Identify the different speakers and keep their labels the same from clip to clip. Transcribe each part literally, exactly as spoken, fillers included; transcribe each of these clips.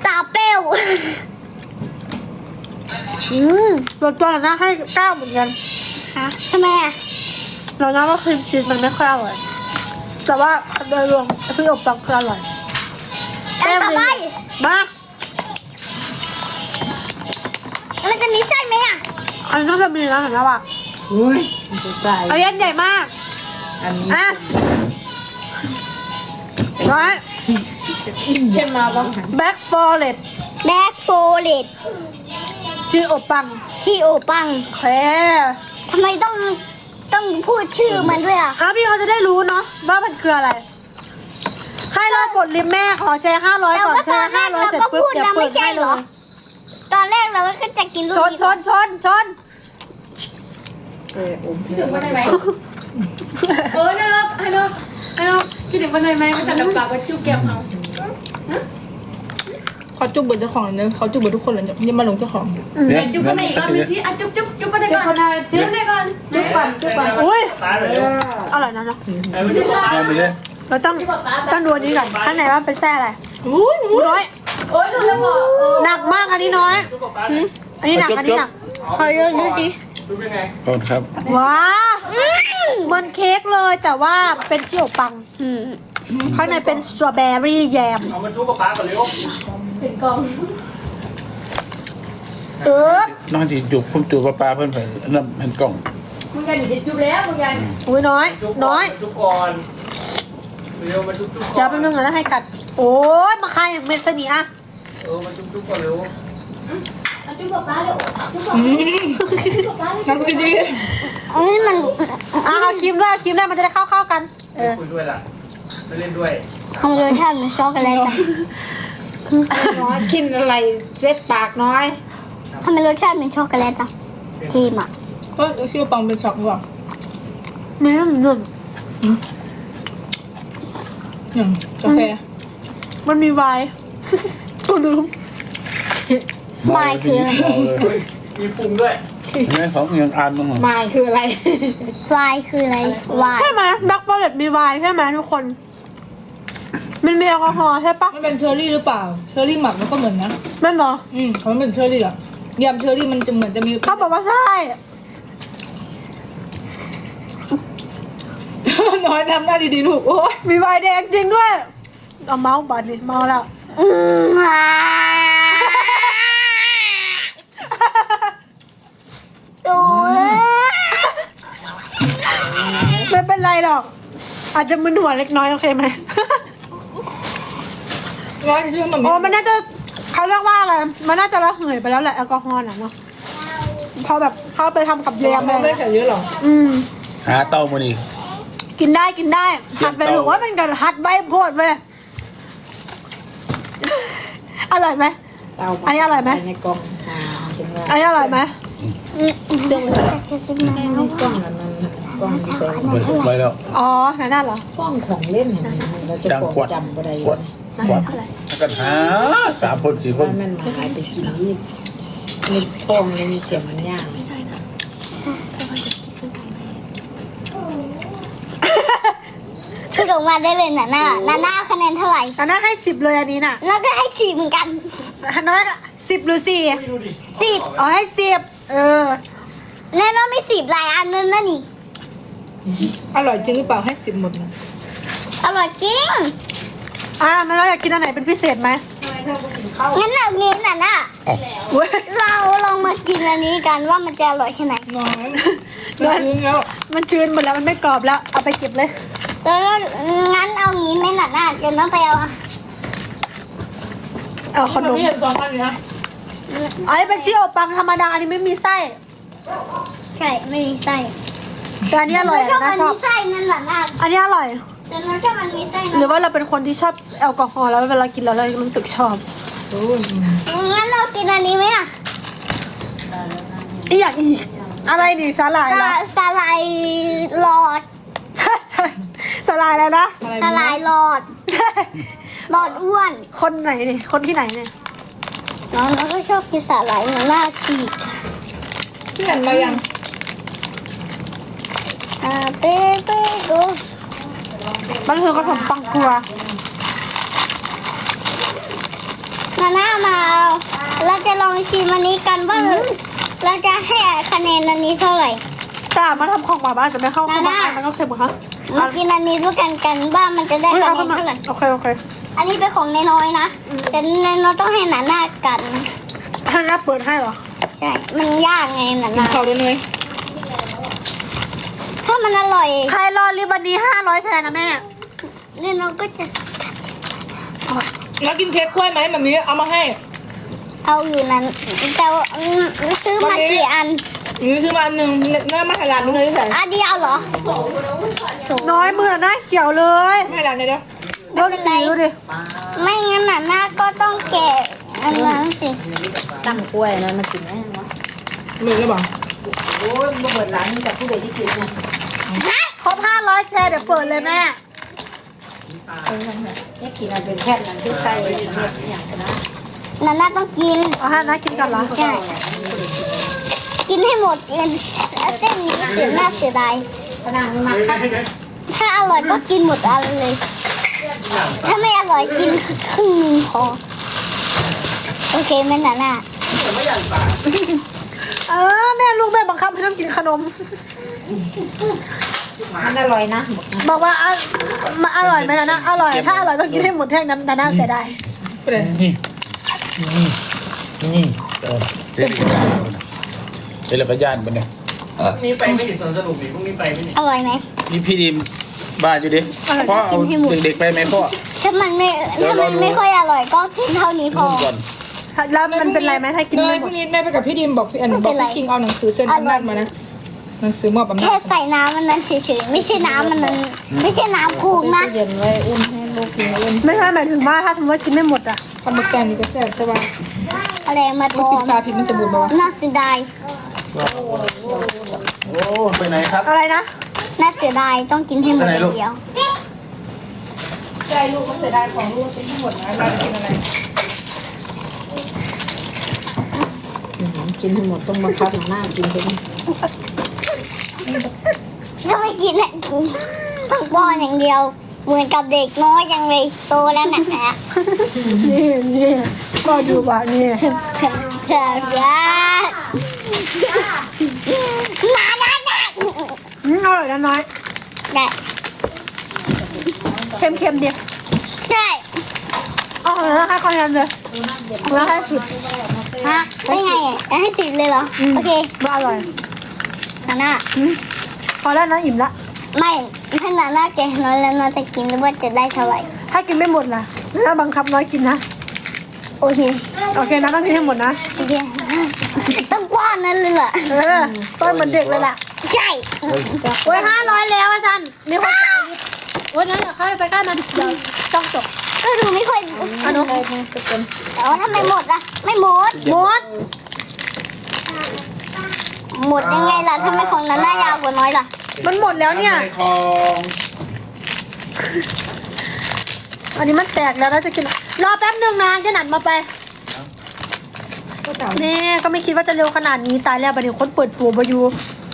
Speaker 1: ตาเป้วอืม
Speaker 2: ตัวตัวน่าให้เก้าเหมือนกัน
Speaker 1: ฮะทำไมอ่ะ
Speaker 2: เราน่าว่าครีมชีสมันไม่ค่อยอร่อยแต่ว่าโดยรวมพี่อบปังคืออร่อย
Speaker 1: แล้วต่อไป
Speaker 2: มา
Speaker 1: มันจะมีไส้ไหมอ่ะ
Speaker 2: อันนี้ต้องจะมีนะเห็นแล้วอ่ะ
Speaker 3: อุ้ยผู้ชาย
Speaker 2: อันนี้ใหญ่มาก
Speaker 3: อันนี้
Speaker 2: อ่ะร้อย
Speaker 3: เข้มมาบ้างหัน
Speaker 2: แบ็กฟอร์เรส
Speaker 1: แบ็คโฟเลต
Speaker 2: ชื่ออบปัง
Speaker 1: ชีโอปัง
Speaker 2: โอเค
Speaker 1: ทำไมต้องต้องพูดชื่อมันด้วยอ่ะ
Speaker 2: อ่ะพี่เขาจะได้รู้เนาะว่ามันคืออะไรใครรอกดลิมแม่ขอแชร์ห้าร้อยก่อนแชร์ห้าร้อยเสร็จปุ๊บเดี๋ยวเปิดให้เลย
Speaker 1: ตอนแรกเราก็จะกินลูก
Speaker 2: ชนชนชนชน
Speaker 3: เอออม
Speaker 4: คิดถึงวันไหนไหมเออนะฮัลโหลฮัลโหลคิดถึงวันไหนไหมมันจะดับปากว่าจุ๊บแก้มเขา
Speaker 5: เขาจุบเบิร์เจ้าของเลยเนอะเขาจุบเบิร์ทุกคนเลยจะยังมาลงเจ้าของ
Speaker 6: เนี่ย
Speaker 4: จุ๊บวันไหนอีกรอบนึงสิอ่ะจุ๊บจุ๊บจุ๊บวันไหนก่อนจุ๊บวันไหนก่อนจุ๊บก่อนจุ๊บก่อน
Speaker 2: อุ้ย
Speaker 6: ตายเลย
Speaker 2: อร่อยนะเนาะ
Speaker 6: เอาไปเลย
Speaker 2: เราต้องต้องดูอันนี้ก่อนข้างในว่าเป็นแส้อะไร
Speaker 5: อู้ย
Speaker 2: อู้น้อย
Speaker 4: โอ้ยหนูแล้วบอก
Speaker 2: หนักมากอันนี้น้อย อันนี้หนักอันนี้หนัก
Speaker 1: ขอดูดูสิ
Speaker 6: ดูเป็นไงขอบคุณครับ
Speaker 2: ว้าวเหมือนเค้กเลยแต่ว่าเป็นชิโอปัง
Speaker 1: อืม
Speaker 2: ข้างในเป็นสตรอเบอรี่แยม
Speaker 6: เอามาชุบกับป้าก่อนเร็ว
Speaker 4: เห็นกอง
Speaker 2: เออ
Speaker 6: น้องจีจูบผมจูบกับป้าเพื่อนไปนั่นเห็นกล่อง
Speaker 4: มึงยันหนีจุ๊บแล้วมึงยัน
Speaker 2: อุ้ยน้อย น้อย
Speaker 6: ชุบก่อนเร็วมาชุบชุบก่อน
Speaker 2: จะเป็นเรื่องอะไรให้กัด โอ้ยมาใครเม็ดสนีอะ
Speaker 6: เออมาชุบชุบก่อนเร็ว
Speaker 4: จุ๊บกับป้าเร็วจุ๊บกับ
Speaker 5: น้ำไปดี
Speaker 1: อันนี้มัน
Speaker 2: อ่ะเอาครีมด้วยเอาครีมด้วยมันจะได้เข้าเข้าๆกัน เออ
Speaker 6: คุยด้วยล่ะไม่เล่นด้วย
Speaker 1: ทำรสชาติเหมือนช็อกโกแลตอะ
Speaker 3: น้อยกินอะไรเซ็ตปากน้อย
Speaker 1: ทำไมรสชาติเหมือนช็อกโกแลตอ่ะครีมอ่ะ
Speaker 5: ก็ชื่อปังเป็นช็อกหรือเปล่า
Speaker 2: มีหนึ่งหนึ่ง
Speaker 5: อย่างกาแฟ
Speaker 2: มันมีไวน์ กูลืม
Speaker 1: วายคืออะไร
Speaker 6: มีปรุงด้วยเห็นไหมของยังอ่านมั้งเหรอ
Speaker 3: หมายคืออะไร
Speaker 1: วายคืออะไรวาย
Speaker 2: ใช่ไหมดักฟอร์เรสมีไวน์ใช่ไหมทุกคน มันมีแอลกอฮอล์ใช่ปะ
Speaker 5: มันเป็นเชอร์รี่หรือเปล่า เชอร์รี่หมักมันก็เหมือนนะ
Speaker 2: ไม่หรอ
Speaker 5: อืมมันเป็นเชอร์รี่เหรอยำเชอร์รี่มันจะเหมือนจะมี
Speaker 2: เขาบอกว่าใช่
Speaker 5: น้อยทำหน้าดีๆลูกโอ้ย
Speaker 2: มีไวน์แดงจริงด้วย เอาเมาส์บัตรดิเมาแล้ว
Speaker 1: อืมอ่าดู
Speaker 2: ไม่เป็นไรหรอก อาจจะมึนหัวเล็กน้อยโอเคไหม
Speaker 5: น้อยชื่อมัน
Speaker 2: โอ้มันน่าจะเขาเรียกว่าอะไร มันน่าจะระเหยไปแล้วแหละแอลกอฮอล์น่ะเนาะพอแบบเขาไปทำกับแยม
Speaker 5: ไม่
Speaker 2: อะไร
Speaker 5: ได้ใส่เยอะหรอก
Speaker 2: อืม
Speaker 6: หาเต้ามาดิ
Speaker 2: กินได้กินได้
Speaker 6: เสีย
Speaker 2: หั
Speaker 6: ง
Speaker 2: ดไป
Speaker 6: เตา
Speaker 2: หรือว่ามันกันหัดใบโพดเว้ย อร่อยไหม
Speaker 3: เตา
Speaker 2: อันนี้อร่อยไหม
Speaker 3: ในกล่องอ่าจังว่า
Speaker 2: อันนี้อร่อยไหม
Speaker 5: เรื่องมันจะ
Speaker 3: ในกล่องนั้นน่ะกล่องใส่
Speaker 6: ไปไปแล้ว
Speaker 2: อ๋อนั่นน่ะเหรอก
Speaker 3: ล่องของเล่นเห็นไหมเราจะ
Speaker 6: จัง
Speaker 3: บอก
Speaker 6: กวด
Speaker 3: จำบ่ได้
Speaker 6: กวดกวดแล้วกันหาสามคนสี่ค
Speaker 3: ว่าน มันมาหายไปกินยี่ในท้องในเสียงมันย่าง
Speaker 1: คือลงมาได้เลยน่ะหน้าหน้าหน้าคะแนนเท่าไหร่
Speaker 2: อันนั้นให้สิบเลยอันนี้น่ะ
Speaker 1: แล้วก็ให้สี่เหมือนกัน
Speaker 2: อันนั้นสิบหรือสี่
Speaker 1: สิบ
Speaker 2: อ๋อให้สิบเออ
Speaker 1: แน่นอนไม่สิบหลายอันนั่นนะนี่
Speaker 5: อร่อยจริงหรือเปล่าให้สิบหมดนะ
Speaker 1: อร่อยจริง
Speaker 2: อ่ามันเราอยากกินอันไหนเป็นพิเศษไหม
Speaker 1: งั้นเอางี้น่ะน่ะ
Speaker 2: เว้ย
Speaker 1: เราลองมากินอันนี้กันว่ามันจะอร่อยแค่ไหน
Speaker 5: น้อยมันชื้นแล้ว
Speaker 2: มันชื้นหมดแล้วมันไม่กรอบแล้ว เอาไปเก็บเลย
Speaker 1: แล้วงั้นเอางี้ไหมน่ะน่ะเดี๋ยวน้องไปเอาอะ
Speaker 2: เอาขนม
Speaker 5: ไม่เห็นสองอันเลยนะ
Speaker 2: อันนี้เป็นชิโอปังธรรมดาอันนี้ไม่มีไส้
Speaker 1: ใช่ไม่มีไส้
Speaker 2: แต่อันนี้อร่อย
Speaker 1: ชอบ
Speaker 2: นะ
Speaker 1: มัน
Speaker 2: ชอบ
Speaker 1: มีไส้นั่นแหละน่ะ
Speaker 2: อันนี้อร่อย
Speaker 1: แต่เราชอบมันมีไส้
Speaker 2: หรื
Speaker 1: นะ
Speaker 2: อว่าเราเป็นคนที่ชอบแอลกอฮอล์แล้วเวลากินแล้วเรารู้สึกชอบ
Speaker 5: โอ้ย
Speaker 1: งั้นเรากินอันนี้ไหมอ่ะ
Speaker 2: อีกอย่างอีก อะไรนี่สาหร่ายเหร
Speaker 1: สา
Speaker 2: อ
Speaker 1: สาลายหลอด
Speaker 2: ใช่ใช่สาหร่ายอะไรนะ
Speaker 5: อะไร
Speaker 1: สาลายหลอด หลอดอ้วน
Speaker 2: คนไหนนี่ คนที่ไหนเนี่ย
Speaker 1: น้องเราก็ชอบกินสาหร่ายหน้าฉีก
Speaker 5: ที่หันมายัง
Speaker 1: อ่าเป๊ะเป๊ะดู
Speaker 2: มันคือกระผมปังกลัว
Speaker 1: นาน่ามาเอาเราจะลองชิมอันนี้กันว่าเราจะให้คะแนนอันนี้เท่าไหร่
Speaker 2: แต่มาทำของมาบ้านจะไม่เข้าเข้ามามันก็เค็มเหรอคะ
Speaker 1: มากินอันนี้ด้วยกันกันว่ามันจะได้
Speaker 2: เฮ้ย
Speaker 1: คะ
Speaker 2: เอา
Speaker 1: แน
Speaker 2: เข้าน มา
Speaker 1: เท่าไหร่
Speaker 2: โอเคโอเค
Speaker 1: อันนี้เป็นของน้อยๆนะแต่น้อยๆต้องให้นาน่ากัน
Speaker 2: ให้น้าเปิดให้เหรอ
Speaker 1: ใช่ มันยากไงนา
Speaker 5: กิน
Speaker 1: น่า
Speaker 5: ข้าวด้วยเนย
Speaker 1: ถ้ามันอร่อย
Speaker 2: ใครรอริบวันนี้ห้าร้อยแทนนะแม่
Speaker 1: เนี่ยเราก็จะ
Speaker 5: แล้วกินเค้กกล้วยไหมแบบนี้เอามาให้
Speaker 1: เอาอยู่นั้นแต่ว่าอืมซื้อมากี่อัน
Speaker 5: นี่ซื้อมาอันหนึ่งเนื้อมาให้ร้านนึงเลยที่ไหน
Speaker 1: อันเดียวเหรอโถ
Speaker 2: น้อยมือหน้าเขียวเลย
Speaker 5: ไม่ให้ร้านไหนเด้อ
Speaker 2: โดนสีดูดิ
Speaker 1: ไม่งั้นนาน่าก็ต้องแกะอันนั้นสิ
Speaker 3: สั่งกล้วยนั้นมากินได้ไหมวะ
Speaker 5: มือก็บอก
Speaker 3: โอ้ยมาเปิดร้านนี้กับผู้ใดที่กินเนี่ย
Speaker 2: ครบห้าร้อยแชร์เดี๋ยวเปิดเลยแม่
Speaker 3: นี่กินอันเป็นแพทย์นั่นที่ใส่เม็ดอย่างกันนะ
Speaker 1: นาน่าต้องกิน
Speaker 2: เอาให้น้ากินก่อนเหรอ
Speaker 1: ใช่ กินให้หมดเงินเส้นนี้เสียหน้าเสียดาย
Speaker 3: ขนาดนี้มาคัด
Speaker 1: ถ้าอร่อยก็กินหมดอันเลย ถ้าไม่อร่อยกินครึ่งหนึงพอ โอเคไหมนาน่า
Speaker 2: เออแม่ลูกแม่บังคับให้ต้องกินขนม
Speaker 3: มันอร่อยนะ
Speaker 2: บอกว่าอ่ะมาอร่อยไหมนะนะอร่อย ถ้าอร่อยต้องกินให้หมดแท่งน้ำนาน่าเสียดาย
Speaker 5: ไปเลย
Speaker 6: นี่นี่นี่เออเดี๋ยวเดี๋ยวเราก็ย่านมันเนี่ย
Speaker 7: มีไปไม่ถึงสวนสนุกดิพรุ่งนี้ไปไม่ถึง
Speaker 1: อร่อยไหม
Speaker 6: นี่พี่ดีมบ้าอยู่ดิพ่อเอาเด็กๆไปไหมพ่อ
Speaker 1: ถ้ามันไม่
Speaker 6: เดี๋ยว
Speaker 1: ถ้ามัน
Speaker 6: รอดู
Speaker 1: ไม่ค่อยอร่อยก็กินเท่านี้พอ
Speaker 6: ก่อน
Speaker 2: แล้วมันเป็นไรไหมถ้ากิน
Speaker 5: เน
Speaker 2: ไม่
Speaker 5: ย
Speaker 2: ห
Speaker 5: พ
Speaker 2: ม
Speaker 5: รุ่
Speaker 2: ด
Speaker 5: งนี้แม่ไปกับพี่ดิมบอกพี่อัน
Speaker 1: ไม่
Speaker 5: บ
Speaker 1: เป็
Speaker 5: อก
Speaker 1: นไร
Speaker 5: พี่คิงเอาหนังสือเส้นอำนาจมานะหนังสือมอบอำนา
Speaker 1: แค่
Speaker 5: จ
Speaker 1: ใส่น้ำมันนั้นเฉยๆ ไม่ใช่น้ำมันนั้น ไม่ใช่น้ำคูกนะ
Speaker 3: เย็นไว้อุ่นให้ลูกกินอุ่น
Speaker 2: ไม่ใช่หมายถึงว่าถ้าสมมติว่ากินไม่หมดอ่ะ
Speaker 5: ทำหมึกแกงนี่ก็แซ่บใช่ป่ะ
Speaker 1: อะไรมาต
Speaker 5: ลู
Speaker 1: อก
Speaker 5: ปิด
Speaker 1: ม
Speaker 5: ฝาผิดมันจะบูดป่าวะ
Speaker 1: น่าเสียดาย
Speaker 6: โอ้ไปไหนครับ
Speaker 2: อะไรนะ
Speaker 1: น่าเสียดายต้องกินให้หมด
Speaker 6: ไปไหนลูก
Speaker 1: เดียว
Speaker 5: ใช่ลูกก็เสียดายของลูกเป็นทั้งหมดนะเราจะกินอะไร
Speaker 3: กินให้หมดต้องมาคัดหน้ากินไป
Speaker 1: ถ้าไม่กินเนี่ยต้องป้อนอย่างเดียว เหมือนกับเด็กน้อยยังเลยโตแล้วนะฮะ
Speaker 2: นี่นี่ก็ดูว่านี่
Speaker 1: เธอจะมาได้ได้
Speaker 2: อืมอร่อยนะน้อย
Speaker 1: ได้
Speaker 2: เค็มเค็มๆดี
Speaker 1: ใช่
Speaker 2: อ๋อแล้วค่าคะแนนเลยแล้วให้สิบ
Speaker 1: ฮะได้ไงอ่ะให้สิบเลยเหรอ โอเค
Speaker 2: ว่าอร่อย
Speaker 1: นาน่า
Speaker 2: อืมพอแล้วนะอิ่มละ
Speaker 1: ไม่ถ้านาน่าแกะน้อยแล้วน้อยจะกินหรือว่าจะได้เท่าไหร่
Speaker 2: ถ้ากินไม่หมดล่ะถ้าบังคับน้อยกินนะ
Speaker 1: โอเค
Speaker 2: โอเคนะต้องกินให้หมดนะ
Speaker 1: โอเคต้องป้อนนั่นเลยเหรอ
Speaker 2: เออต้นเหมือนเด็กเลยล่ะ
Speaker 1: ใช่
Speaker 2: โอ้ยห้าร้อยแล้วอาจารย์มีคนจ่ายลิฟต์โอ้ยนั่นอย่าเข้าไปใกล้มันเดี๋ยวต้องจบ
Speaker 1: ก็ดูไม่ค่อย
Speaker 2: อันนู้น
Speaker 1: แต่ว่าถ้าไม่หมดอ่ะ ไม่หมด
Speaker 2: หมด
Speaker 1: หมดยังไงล่ะถ้าไม่ของนาน่ายาวกว่าน้อยล่ะ
Speaker 2: มันหมดแล้วเนี่ย
Speaker 6: ในคลอง
Speaker 2: อันนี้มันแตกแล้วเราจะกิน รอแป๊บหนึ่งนะจะหนันมาไป
Speaker 5: ก็เต่า
Speaker 2: นี่ก็ไม่คิดว่าจะเร็วขนาดนี้ตายแล้วบัดนี้คนเปิดตัวบอยู่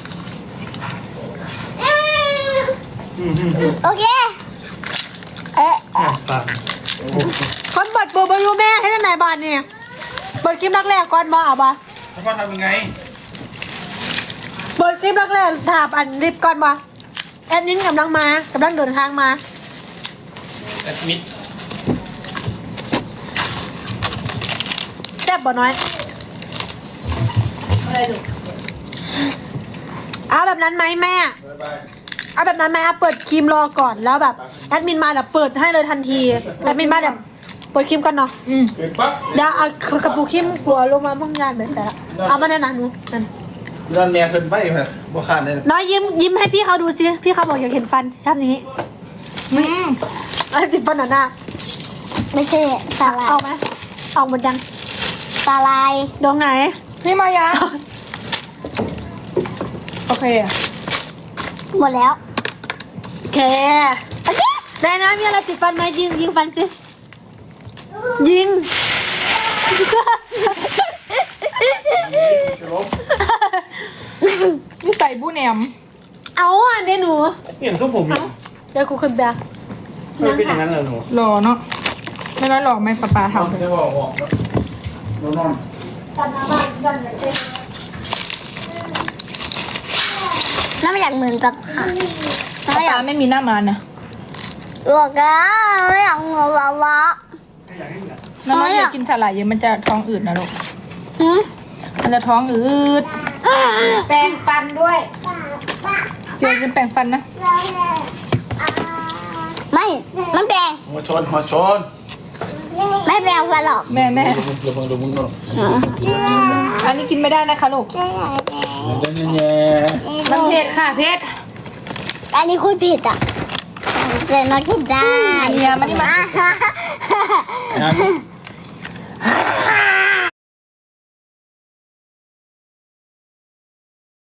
Speaker 1: โอเค เอ๊ะ
Speaker 2: คนเปิดตัวบอยู่แม่ให้ที่ไหนบ้านเนี่ยเปิดคลิปแรกๆก่อนมาเอาปะ
Speaker 6: แล้วพ่อทำยังไง
Speaker 2: เปิดคลิปแรกๆถามอันรีบก่อนมาแอดมินกำลังมากำลังเดินทางมา
Speaker 6: แอดมิด
Speaker 2: แซ่บบ่น้อยเอาแบบนั้นไหมแม่เอาแบบนั้นไหมเอาเปิดครีมรอก่อนแล้วแบบแอดมินมาเดี๋ยวเปิดให้เลยทันทีแอดมินมาเดี๋ยวเปิดครีมก่อนเนาะ
Speaker 5: อืม
Speaker 6: เปิดปั๊บ
Speaker 2: เดี๋ยวเอากระปุกครีมกลัวลงมาบ้างยานแบบแต่ละเอามาแน่นอนหนูนั่น
Speaker 6: นอนแม่ขึ้นไปแบบบ่ขาดเลย
Speaker 2: น้อยยิ้มยิ้มให้พี่เขาดูสิพี่เขาบอกอยากเห็นฟันทำอย่างนี้
Speaker 5: อืม
Speaker 2: อะไรติดฟันหนาหน้า
Speaker 1: ไม่ใช่สาลาย
Speaker 2: เอาไหมเอาหมดยัง
Speaker 1: สาลาย
Speaker 2: ดองไหน
Speaker 5: พี่มายาโอเคอะ
Speaker 1: หมดแล้ว
Speaker 2: โอเคได้นะมีอะไรติดฟันไหมยิงยิงฟันสิยิง
Speaker 5: นี่ใส่บูแหนม
Speaker 2: เอาอ่ะเดี๋ยวหนู
Speaker 7: เปลี่ยนทรงผมเนี่ย
Speaker 2: เดี๋ยวกูขึ้นไป
Speaker 7: มันเป็นอย่างนั้นเหรอหนู
Speaker 5: หล่อเนาะไม่ร้อยหรอกไม่ปลาปลาเท่า
Speaker 6: ไม่ได้บอกบอกนอนนอน
Speaker 1: น้ำอยากเหมือนกับ
Speaker 5: ปลาปลาไม่มีหน้ามันนะ
Speaker 1: บอกแล้วไม่อยากเหมือนวาวะ
Speaker 5: น้องๆอย่ากินสาหร่ายเยอะมันจะท้องอืดนะลูก
Speaker 1: หืม
Speaker 5: มันจะท้องอืด
Speaker 3: แปรงฟันด้วย
Speaker 5: เดี๋ยวจะแปรงฟันนะ
Speaker 1: ไม่ไม่แปลง
Speaker 6: มาชนมาชน
Speaker 1: ไม่แปลงฟันหรอก
Speaker 5: แม่แม่
Speaker 6: ดูมึงดูมึงดู
Speaker 5: อันนี้กินไม่ได้นะคะลูก
Speaker 6: เดี๋ยวเนี่ย
Speaker 5: มันเผ็ดค่ะเผ็ด
Speaker 1: อันนี้คุณผิดอ่ะแต่มากินได้
Speaker 5: อันนี้มานี่มา
Speaker 6: นะ